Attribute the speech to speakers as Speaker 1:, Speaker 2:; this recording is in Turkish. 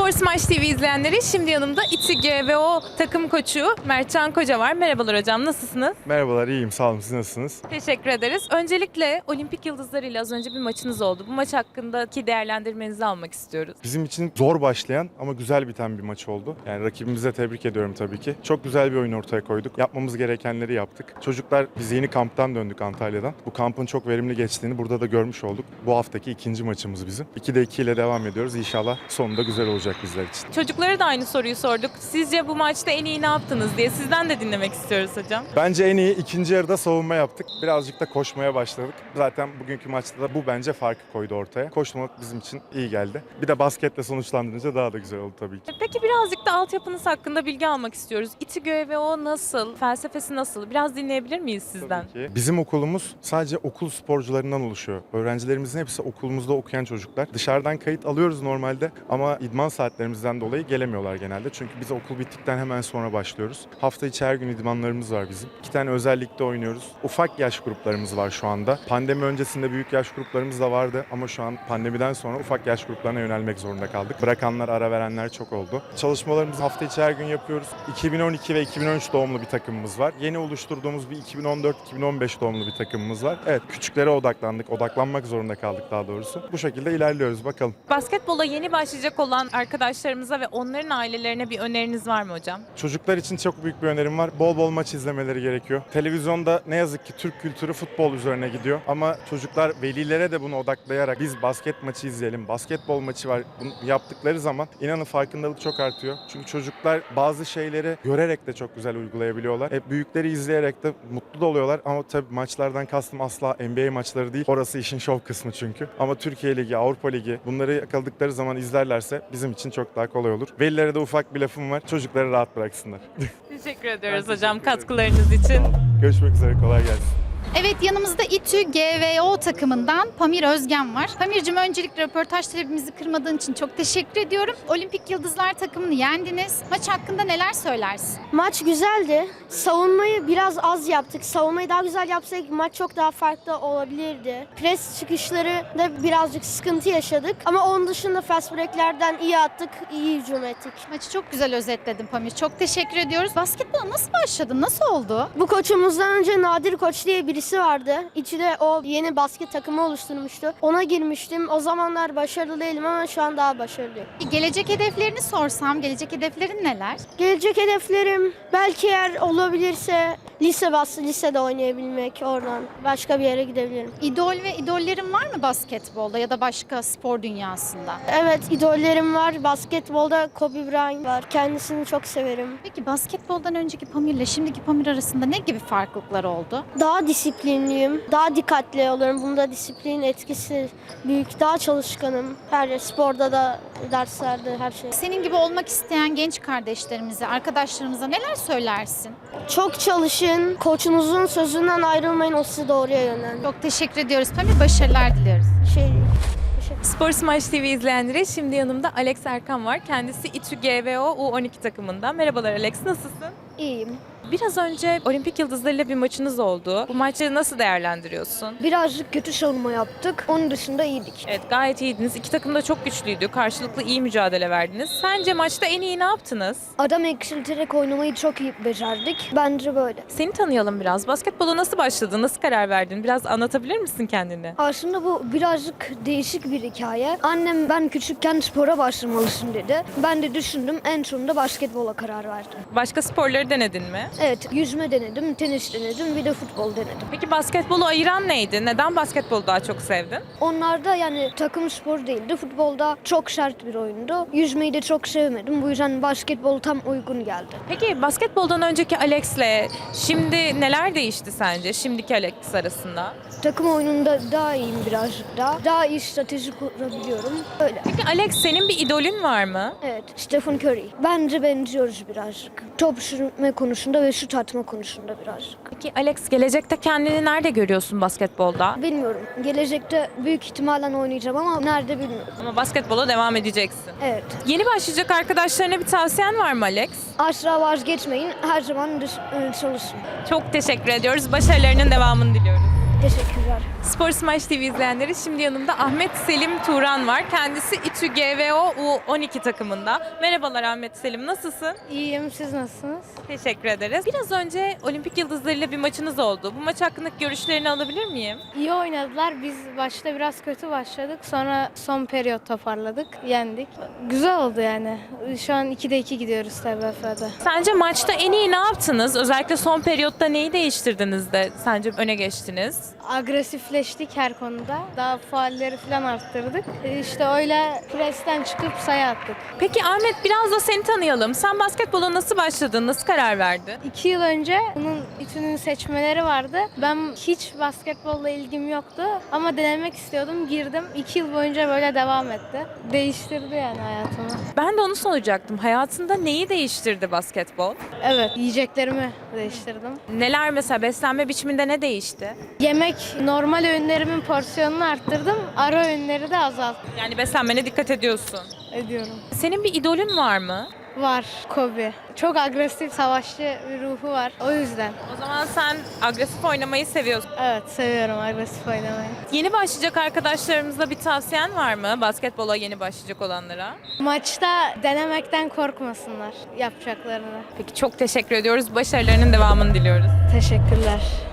Speaker 1: Spor Smash TV izleyenleri, şimdi yanımda İTÜ GVO takım koçu Mertcan Koca var. Merhabalar hocam, nasılsınız?
Speaker 2: Merhabalar, iyiyim. Sağ olun. Siz nasılsınız?
Speaker 1: Teşekkür ederiz. Öncelikle Olimpik Yıldızları ile az önce bir maçınız oldu. Bu maç hakkındaki değerlendirmenizi almak istiyoruz.
Speaker 2: Bizim için zor başlayan ama güzel biten bir maç oldu. Yani rakibimize tebrik ediyorum tabii ki. Çok güzel bir oyun ortaya koyduk. Yapmamız gerekenleri yaptık. Çocuklar, biz yeni kamptan döndük Antalya'dan. Bu kampın çok verimli geçtiğini burada da görmüş olduk. Bu haftaki ikinci maçımız bizim. 2'de 2 ile devam ediyoruz. İnşallah sonunda güzel olacak bizler için.
Speaker 1: Çocuklara da aynı soruyu sorduk. Sizce bu maçta en iyi ne yaptınız diye sizden de dinlemek istiyoruz hocam.
Speaker 2: Bence en iyi ikinci yarıda savunma yaptık. Birazcık da koşmaya başladık. Zaten bugünkü maçta da bu bence farkı koydu ortaya. Koşmak bizim için iyi geldi. Bir de basketle sonuçlandırınca daha da güzel oldu tabii ki.
Speaker 1: Peki birazcık da altyapınız hakkında bilgi almak istiyoruz. İTÜ GVO nasıl? Felsefesi nasıl? Biraz dinleyebilir miyiz sizden?
Speaker 2: Tabii ki. Bizim okulumuz sadece okul sporcularından oluşuyor. Öğrencilerimizin hepsi okulumuzda okuyan çocuklar. Dışarıdan kayıt alıyoruz normalde ama idman saatlerimizden dolayı gelemiyorlar genelde. Çünkü biz okul bittikten hemen sonra başlıyoruz. Hafta içi her gün idmanlarımız var bizim. 2 tane özel ligde oynuyoruz. Ufak yaş gruplarımız var şu anda. Pandemi öncesinde büyük yaş gruplarımız da vardı ama şu an pandemiden sonra ufak yaş gruplarına yönelmek zorunda kaldık. Bırakanlar, ara verenler çok oldu. Çalışmalarımızı hafta içi her gün yapıyoruz. 2012 ve 2013 doğumlu bir takımımız var. Yeni oluşturduğumuz bir 2014-2015 doğumlu bir takımımız var. Evet, küçüklere odaklandık. Odaklanmak zorunda kaldık daha doğrusu. Bu şekilde ilerliyoruz bakalım.
Speaker 1: Basketbola yeni başlayacak olan arkadaşlarımıza ve onların ailelerine bir öneriniz var mı hocam?
Speaker 2: Çocuklar için çok büyük bir önerim var. Bol bol maç izlemeleri gerekiyor. Televizyonda ne yazık ki Türk kültürü futbol üzerine gidiyor. Ama çocuklar velilere de bunu odaklayarak biz basket maçı izleyelim, basketbol maçı var bunu yaptıkları zaman inanın farkındalık çok artıyor. Çünkü çocuklar bazı şeyleri görerek de çok güzel uygulayabiliyorlar. Büyükleri izleyerek de mutlu da oluyorlar. Ama tabii maçlardan kastım asla NBA maçları değil. Orası işin şov kısmı çünkü. Ama Türkiye Ligi, Avrupa Ligi bunları yakaladıkları zaman izlerlerse bizim için çok daha kolay olur. Velilere de ufak bir lafım var. Çocukları rahat bıraksınlar.
Speaker 1: Teşekkür ediyoruz
Speaker 2: Ben
Speaker 1: hocam
Speaker 2: teşekkür ederim.
Speaker 1: katkılarınız için.
Speaker 2: Görüşmek üzere. Kolay gelsin.
Speaker 3: Evet, yanımızda İTÜ GVO takımından Pamir Özgen var. Pamir'cim, öncelikle röportaj talebimizi kırmadığın için çok teşekkür ediyorum. Olimpik Yıldızlar takımını yendiniz. Maç hakkında neler söylersin?
Speaker 4: Maç güzeldi. Savunmayı biraz az yaptık. Savunmayı daha güzel yapsaydık maç çok daha farklı olabilirdi. Pres çıkışları da birazcık sıkıntı yaşadık. Ama onun dışında fast break'lerden iyi attık, iyi hücum ettik.
Speaker 3: Maçı çok güzel özetledin Pamir. Çok teşekkür ediyoruz. Basketbola nasıl başladın? Nasıl oldu?
Speaker 4: Bu koçumuzdan önce Nadir Koç diye birisi vardı. İçinde o yeni basket takımı oluşturmuştu. Ona girmiştim. O zamanlar başarılı değilim ama şu an daha başarılıyım.
Speaker 3: Gelecek hedeflerini sorsam, gelecek hedeflerin neler?
Speaker 4: Gelecek hedeflerim belki eğer olabilirse lisede oynayabilmek, oradan başka bir yere gidebilirim.
Speaker 3: İdol ve idollerin var mı basketbolda ya da başka spor dünyasında?
Speaker 4: Evet, idollerim var. Basketbolda Kobe Bryant var. Kendisini çok severim.
Speaker 3: Peki basketboldan önceki Pamir'le şimdiki Pamir arasında ne gibi farklılıklar oldu?
Speaker 4: Daha disiplinliyim. Daha dikkatli oluyorum. Bunda disiplin etkisi büyük. Daha çalışkanım. Her sporda da, derslerde, her şey.
Speaker 3: Senin gibi olmak isteyen genç kardeşlerimize, arkadaşlarımıza neler söylersin?
Speaker 4: Çok çalışın. Koçunuzun sözünden ayrılmayın. O sizi doğruya yönlendirir.
Speaker 3: Çok teşekkür ediyoruz Pamir. Başarılar diliyoruz.
Speaker 4: Şey değil. Teşekkür
Speaker 1: Spor Smash TV izleyenleri, şimdi yanımda Alex Erkan var. Kendisi İTÜ GVO U12 takımından. Merhabalar Alex, nasılsın?
Speaker 4: İyiyim.
Speaker 1: Biraz önce Olimpik Yıldızları'yla bir maçınız oldu. Bu maçı nasıl değerlendiriyorsun?
Speaker 4: Birazcık kötü savunma yaptık. Onun dışında iyiydik.
Speaker 1: Evet, gayet iyiydiniz. İki takım da çok güçlüydü. Karşılıklı iyi mücadele verdiniz. Sence maçta en iyi ne yaptınız?
Speaker 4: Adam eksilterek oynamayı çok iyi becerdik. Bence böyle.
Speaker 1: Seni tanıyalım biraz. Basketbola nasıl başladın? Nasıl karar verdin? Biraz anlatabilir misin kendini?
Speaker 4: Aslında bu birazcık değişik bir hikaye. Annem ben küçükken spora başlamalısın dedi. Ben de düşündüm. En sonunda basketbola karar verdim.
Speaker 1: Başka sporları denedin mi?
Speaker 4: Evet, yüzme denedim, tenis denedim, bir de futbol denedim.
Speaker 1: Peki basketbolu ayıran neydi? Neden basketbolu daha çok sevdin?
Speaker 4: Onlarda yani takım spor değildi. Futbolda çok sert bir oyundu. Yüzmeyi de çok sevmedim. Bu yüzden basketbol tam uygun geldi.
Speaker 1: Peki basketboldan önceki Alex'le şimdi neler değişti sence? Şimdiki Alex arasında?
Speaker 4: Takım oyununda daha iyiyim birazcık daha. Daha iyi strateji kurabiliyorum. Öyle.
Speaker 1: Peki Alex, senin bir idolün var mı?
Speaker 4: Evet, Stephen Curry. Bence benziyoruz birazcık. Top sürme konusunda ve şut atma konusunda birazcık.
Speaker 1: Peki Alex, gelecekte kendini nerede görüyorsun basketbolda?
Speaker 4: Bilmiyorum. Gelecekte büyük ihtimalle oynayacağım ama nerede bilmiyorum.
Speaker 1: Ama basketbola devam edeceksin.
Speaker 4: Evet.
Speaker 1: Yeni başlayacak arkadaşlarına bir tavsiyen var mı Alex?
Speaker 4: Asla vazgeçmeyin. Her zaman çalışın.
Speaker 1: Çok teşekkür ediyoruz. Başarılarının devamını diliyoruz.
Speaker 4: Teşekkürler.
Speaker 1: Spor Smash TV izleyenleri, şimdi yanımda Ahmet Selim Turan var. Kendisi İTÜ GVO U12 takımında. Merhabalar Ahmet Selim, nasılsın?
Speaker 5: İyiyim, siz nasılsınız?
Speaker 1: Teşekkür ederiz. Biraz önce Olimpik Yıldızları'yla bir maçınız oldu. Bu maç hakkındaki görüşlerini alabilir miyim?
Speaker 5: İyi oynadılar. Biz başta biraz kötü başladık. Sonra son periyot toparladık, yendik. Güzel oldu yani. Şu an 2'de 2 gidiyoruz TBF'de.
Speaker 1: Sence maçta en iyi ne yaptınız? Özellikle son periyotta neyi değiştirdiniz de sence öne geçtiniz?
Speaker 5: Agresifleştik her konuda. Daha faulleri falan arttırdık. İşte öyle presten çıkıp sayı attık.
Speaker 1: Peki Ahmet, biraz da seni tanıyalım. Sen basketbola nasıl başladın? Nasıl karar verdin?
Speaker 5: 2 yıl önce bunun İTÜ'nün seçmeleri vardı. Ben hiç basketbolla ilgim yoktu ama denemek istiyordum. Girdim. 2 yıl boyunca böyle devam etti. Değiştirdi yani hayatımı.
Speaker 1: Ben de onu soracaktım. Hayatında neyi değiştirdi basketbol?
Speaker 5: Evet, yiyeceklerimi değiştirdim.
Speaker 1: Neler, mesela beslenme biçiminde ne değişti?
Speaker 5: Yemek, normal öğünlerimin porsiyonunu arttırdım. Ara öğünleri de azalttım.
Speaker 1: Yani beslenmene dikkat ediyorsun.
Speaker 5: Ediyorum.
Speaker 1: Senin bir idolün var mı?
Speaker 5: Var Kobe. Çok agresif, savaşçı bir ruhu var. O yüzden.
Speaker 1: O zaman sen agresif oynamayı seviyorsun.
Speaker 5: Evet, seviyorum agresif oynamayı.
Speaker 1: Yeni başlayacak arkadaşlarımıza bir tavsiyen var mı? Basketbola yeni başlayacak olanlara.
Speaker 5: Maçta denemekten korkmasınlar yapacaklarını.
Speaker 1: Peki, çok teşekkür ediyoruz. Başarılarının devamını diliyoruz.
Speaker 5: Teşekkürler.